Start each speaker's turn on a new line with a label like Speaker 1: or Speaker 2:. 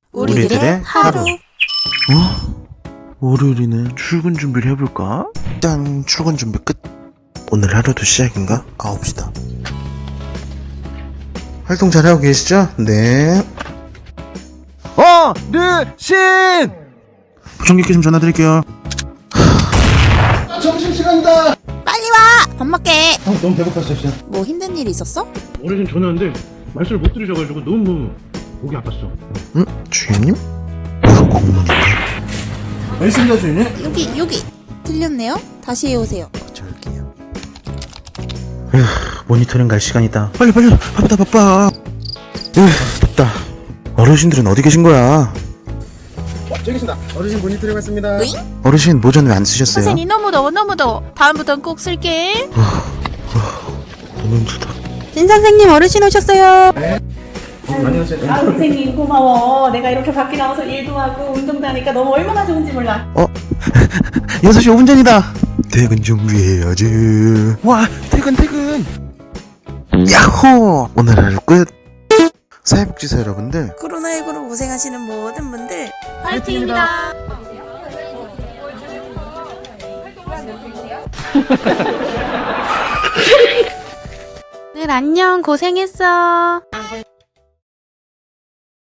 Speaker 1: 우리들의 하루.
Speaker 2: 월요일이네. 출근 준비를 해볼까? 짠, 출근 준비 끝. 오늘 하루도 시작인가? 가봅시다. 활동 잘하고 계시죠? 네. 르신! 부총리께 좀 전화드릴게요. 점심시간이다!
Speaker 1: 빨리 와! 밥 먹게.
Speaker 2: 너무 배고팠어, 진짜.
Speaker 1: 뭐 힘든 일 있었어?
Speaker 3: 어르신 전화했는데 말씀을 못 들으셔가지고 너무 목이 아팠어.
Speaker 2: 응? 주인님? 공무원인데? 알겠습니다, 주인님.
Speaker 1: 여기 틀렸네요. 다시 해오세요.
Speaker 2: 저기요. 모니터링 갈 시간이다. 빨리 바빠. 덥다. 어르신들은 어디 계신 거야?
Speaker 3: 저기 있습니다. 어르신 모니터링 왔습니다.
Speaker 1: 으잉?
Speaker 2: 어르신 모전 왜 안 쓰셨어요?
Speaker 1: 선생님 너무 더워. 다음부턴 꼭 쓸게.
Speaker 2: 너무 힘들다.
Speaker 1: 진 선생님 어르신 오셨어요.
Speaker 3: 안녕하세요.
Speaker 4: 아 선생님 고마워. 내가 이렇게 밖에 나와서 일도 하고 운동도 하니까 너무 얼마나 좋은지 몰라.
Speaker 2: 6시 5분 전이다. 퇴근 준비해야지. 와, 퇴근. 야호! 오늘 하루 끝. 사회복지사 여러분들,
Speaker 1: 코로나19로 고생하시는 모든 분들
Speaker 4: 파이팅입니다.
Speaker 1: 늘 안녕 고생했어.